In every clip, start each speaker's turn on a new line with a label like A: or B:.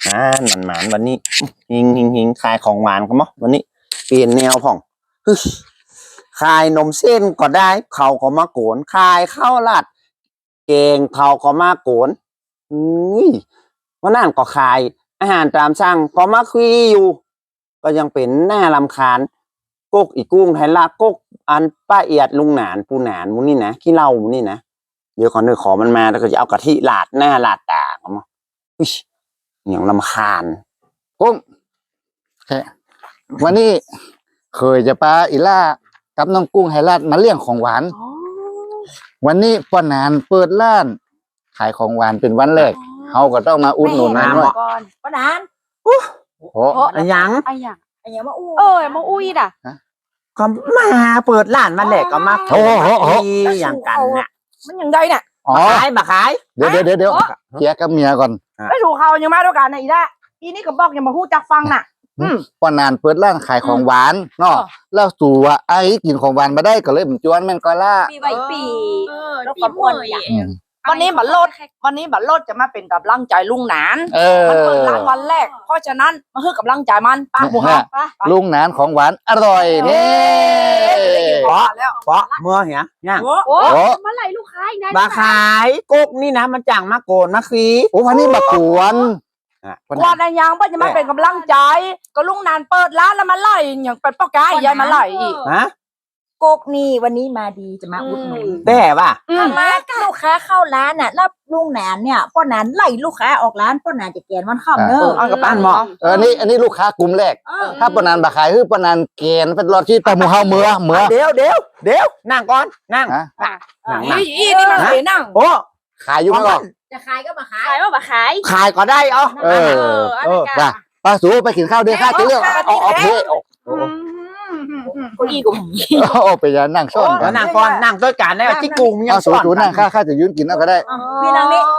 A: หมานวันนี้หิงขายของหวานกันมั้งวันนี้เปลี่ยนแนวผ่องขายนมเส้นก็ได้เขาก็มาโกนขายข้าวราดเกงเขาก็มาโกนวันนั้นก็ขายอาหารตามสั่งก็มาคุยอยู่ก็ยังเป็นหน้ารำคาญกกอีกุ้งไทยลากกอันป้าเอียดลุงหนานปูหนานมูนี่นะขี้เหล้ามูนี่นะเดี๋ยวขอมันมาแล้วก็จะเอากะทิลาดหน้าลาดตากันมั้งอย่างรำคาญ
B: กุ้งวันนี้เคยจะปาอีล่ากับน้องกุ้งไฮรัดมาเลี้ยงของหวานวันนี้ป้านานเปิดร้านขายของหวานเป็นวันแรกเขาก็ต้องมาอุดหนุนนะด้วย
C: ป้านาน
B: โอ้
A: อะไรยัง
C: มาอู้มาอู้อีด่ะ
A: ก็มาเปิดร้านมาแหลกก็มาอย่างกันน่ะ
C: มันยังไงเนี่ย
A: มาขาย
B: เดี๋ยวเคลียร์กับเมียก่อน
C: ไม่ถูกเขายังมาด้วยกันนะอีด่ะอีนี่ก็บอกยังมาพูดจักฟังน่ะ
B: ป้านานเปิดร้านขายของหวานเนาะแล้วสู่ว่าไอ้กินของหวานมาได้ก็เลยผมจวนแม่นก็ล่า
C: ปีใบปีแล้วก็ปวดวันนี้บัลดจะมาเป็นกับร่างใจลุงหนานมันเปิดร้านวันแรกเพราะฉะนั้นมาฮือกับร่างใจมันป้าหมูฮะ
B: ลุงหนานของหวานอร่อยนี่
A: เพราะเมื่อเหี้ยเนี่ย
C: โอ้เมื่อไหร่ลูกค้าอีกนะ
A: มาขายกุ๊กนี่นะมันจังมาโกนมาคี
B: โอ้วันนี้มากวน
C: อะไรยังป้าจะมาเป็นกับร่างใจก็ลุงนานเปิดร้านแล้วมาไล่อย่างเป็นป้ากายยายมาไล่อีก
D: กกนี่วันนี้มาดีจะมาอุดหนุน
A: แต่ป่ะ
D: มาลูกค้าเข้าร้านน่ะแล้วลุงแหนนเนี่ยป้านานไล่ลูกค้าออกร้านป้านานจะแกนวันข้ามเนอะ
A: เอากับป้านหมอ
B: อันนี้ลูกค้ากลุ่มแรกถ้าป้านานบาขายคือป้านานแกนเป็นรถที่ตะมูเฮาเมื่อ
A: เดี๋ยวนั่งก่อนนั่ง
C: นี่มาเลยนั่ง
A: โอ้
B: ขายอยู่ก่อน
D: จะขายก็มาขาย
A: ขายก็ได้
B: ป้าสูไปกินข้าวเดี๋ยวข้าจะเลือกโอเค
C: กูอีกู
B: โอ้ไปยันนั่งซ่อน
A: นั่งก่อนนั่งด้วยกันได้ที่กลุ่มยัง
B: ซ่อนสูนั่งข้าจะยืนกินเอาก็ได้
D: พี่นั่งนี่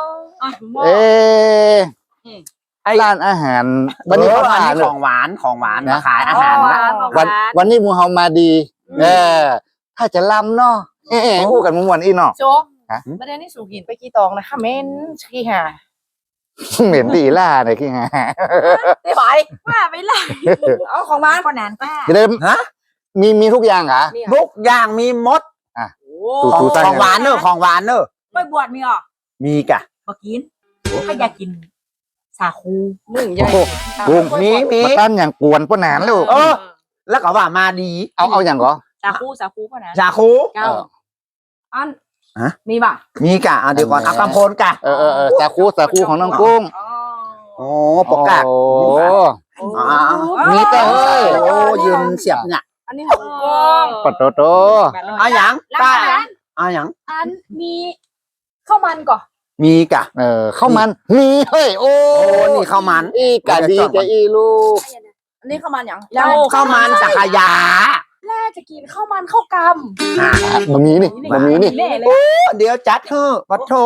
B: ร้านอาหาร
A: วันนี้ของหวานนะขายอาหาร
B: วันนี้มูเฮามาดีถ้าจะลำเนาะคู่กันมุมวันอีเนาะ
C: โจประเด็นนี้สูงหินไปกี่ตองนะคะเม้นขี้ห่า
B: เหม็นดีล่าเลยขี้ห่า
C: ได้ไปว่าไปเลยเอาของมัน
D: ป้านานก็
B: จะได้มีทุกอย่างเหรอ
A: ทุกอย่างมีมดของหวานเนอะ
D: ไปบวชมีอ่ะ
A: มีกะ
D: มากินถ้าอยากกินสาคู
C: มึงใหญ่
A: มี
B: มาตั้นอย่างกวนป้านานลูก
A: แล้วก็ว่ามาดี
B: เอาอย่างเหรอ
C: สาคูป้านาน
A: สาคู
C: อันมีป่ะ
A: มีกะเดี๋ยวก่อนเอากำพลกะ
B: สาคูของน้องกุ้ง
A: โอ้ปกกะ
B: มีแต่เฮ้ย
A: โอ้ยืนเสียบเนี่ย
C: อันนี้ของกุ้ง
B: ปัดโต
A: เอาอย่างป้าเอาอย่าง
C: อันมีข้าวมันก่อ
A: มีกะ
B: ข้าวมันมีเฮ้ยโอ้
A: นี่ข้าวมัน
B: อีกะดีจะอีลูก
C: อันนี้ข้าวมันอย่าง
A: ข้าวมันสักยา
C: แม่จะกินข้าวมันข้าวก
B: ำมันมีนี่
A: เดี๋ยวจัดเถอะปัดโถ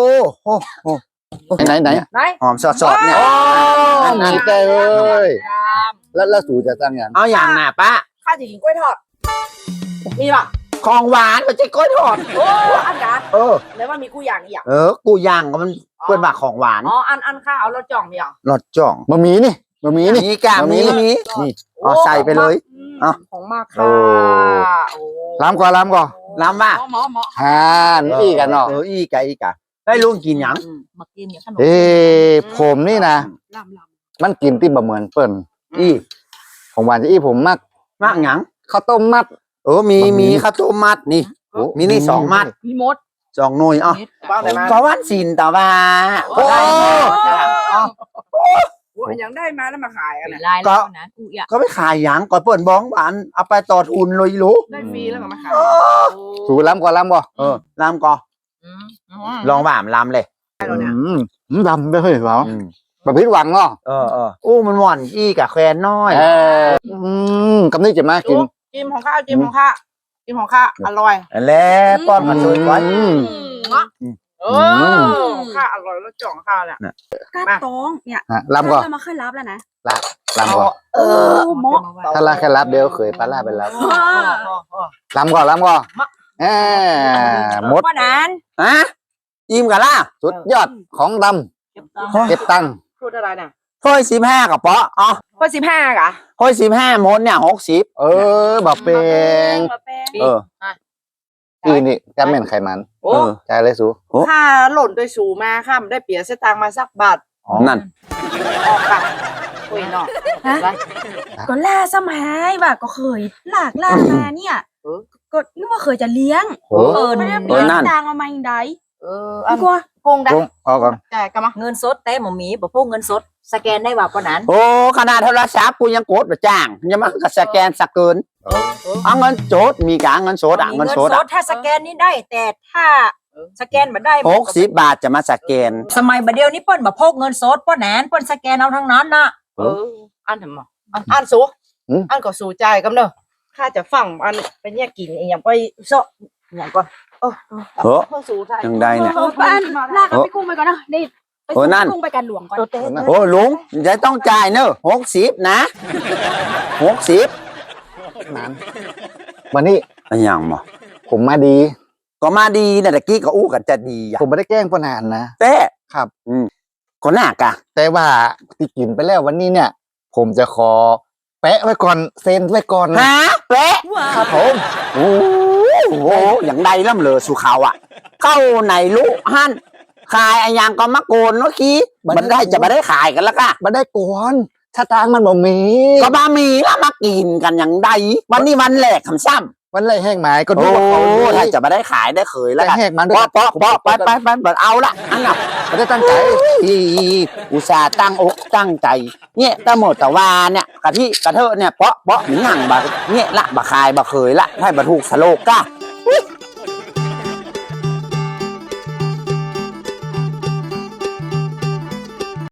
B: ไหน
A: หอมสดเนี่ย
B: มีแต่เลยแล้วสูจะตั้งอย่าง
A: เอาอย่างน่ะป้า
C: ข้าจะกินกล้วยทอดมีป่ะ
A: ของหวานมันจะกล้วยทอด
C: โอ้อันกันแล้วว่ามีกูย่างอีก
A: กูย่างก็มันเป็นแบบของหวาน
C: อันข้าเอารสจ่องมีอ่ะ
A: รสจ่อง
B: มันมีนี่
A: กะมีนี่ใส่ไปเลย
C: ของมากค่ะ
B: ล้ำก่อน
A: ว่า
B: นี่กันเนาะ
A: อีกะได้ลุงกินยัง
D: มากินอย่างขนม
B: ผมนี่นะมันกินที่บะเหมือนเปิ้นของหวานจะผมมาก
A: ยัง
B: ข้าวต้มมัด
A: มีข้าวต้มมัดนี่มีนี่2 มัด
C: มีมด
A: 2 หน่วยก็วันศิลต่อมา
C: ยังได้มาแล้วมาขายอ่ะ
A: ก็ไม่ขายยังก่อนเปิดบ้องหวานเอาไปต่อทุนเลยรู้
C: ได้ฟรีแล้วก็มาขาย
B: สูล้ำก่อนล้ำบ่
A: ล้ำก่อนลองบ่ามล้ำเลย
B: ล้ำไปเฮ้ยเหรอแบบพิษหวังเนาะ
A: มันหวานอีกะแควนน้อย
B: กำนี้จะมากิน
C: จิ้มของข้าอร่อย
A: แล้วป้อนมาช่วยไว้
C: ข้าอร่อยแล้วจ่องข้าเนี่ย
D: ก้าตองเนี่ย
B: ลำก่อน
D: มาค่อยรับแล้วนะ
B: ลำก่อนถ้าลาแค่รับเดี๋ยวเคยปลาล่าไปแล้วลำก่อนหมด
C: นาน
A: อิ่มกันล่ะ
B: สุดยอดของดำเก็บตังค์
C: พูดอะไรเนี่ย
A: ถ้วย15กับเปาะอ๋อ
C: ข้อ15กะ
A: ถ้วย15มดเนี่ย60
B: บักเปง
A: เออ
B: อีนี่ก็แม่นไขมัน
C: โอ้
B: ใจายเลยสู
C: ค่าหล่นโดยสูมาค่ะไม่ได้เปลี่ยนเสตางค์มาสักบาท
A: นั่น
C: ออกค่ะคุยเนาะ
D: ฮะ ก็ล่าสมัยว่าก็เคยลากล่ามาเนี่ย
C: เออ
D: ก็นึกว่าเคยจะเลี้ยง
B: โอ้
D: ไม่ได้
A: เอ
D: เลี้
A: อย
D: ง
A: นั่น
D: ตังเอามาอย่างใด
C: อัน
D: ดีกว่า
C: โกงได้
B: กุ้งเอาก่อน
C: จ่ายกันมา
D: เงินสดแต่หมอหมีบ่พกเงินสด สแกนได้ว่าปานนั้น
A: โอ้ขนาดโทรศัพท์กูยังกดมาจ้างยังมาก็สแกนสกเกินเอาเงินโจดมีกะเงินโสดอ่ะ
D: มี
A: เงินโสดอ่ะ
D: ถ้าสแกนนี่ได้ แต่ถ้าสแกนบ่ได้
A: 60 บาทจะมาสแกน
D: สมัยบัดเดียวนี้เปิ้นบ่พกเงินสดป้นแหนนเปิ้นสแกนเอาทั้งนั้นน่ะ
C: อันทำไมอันสูอันก็สูใจกันเนอะข้าจะฟังอันไปแยกกินอย่างไปเซาะอย่างก่อนเพื่อสูใจ
A: ยังได้เนี่ย
E: ป้าอันลากกับพี่กุ้งไปก่อนนะนี่ไป
A: โอ้
E: ส่ง
A: นั่น
E: พี่กุ้งไปกันหลวงก่อน
A: โอ้ลุงจะต้องจ่ายเนอะ60นะ60
B: นั้นวันนี้
A: อะไรอย่างหมอ
B: ผมมาดี
A: ก็มาดีนะตะกี้ก็อู้กันจะดีอ่ะ
B: ผมไม่ได้แกล้งป้านานนะ
A: แต่
B: ครับ
A: ก็น่ากะ
B: แต่ว่าที่กินไปแล้ววันนี้เนี่ย ผมจะขอแปะไว้ก่อนเซ็นไว้ก่อน
A: ฮะเป๊ะ
B: ครับผม
A: โอ้โหอย่างใดล่ำเหลือสุขาวอ่ะ เข้าไหนลูกฮั่นขายอะไรอย่างก็มาโกนเนาะคีมันได้จะมาได้ขายกันแล้วก็
B: มาได้ก่อนถ้าทางมันบ่มี
A: ก็มามีแล้วมากินกันอย่างใดวันนี้วันแรกคำซ้ำ
B: วันไรแห้งหมายก็
A: โอ้
B: ดูว่าเขาดี
A: ถ้าจะมาได้ขายได้เคยแล้ว
B: แต่
A: กัน
B: แหกมันด้วย
A: เปาะไปเปิดเอาละอันน่ะ
B: ไม่ได้ตั้งใจ
A: อีอุตส่าห์ตั้งอกตั้งใจ เนี่ยตะหมดตะวาเนี่ยกะทิกะเทอะเนี่ยเปาะหนึ่งหั่งบะเนี่ยละบะคายบะเคยละให้บะถูกสโลกก้า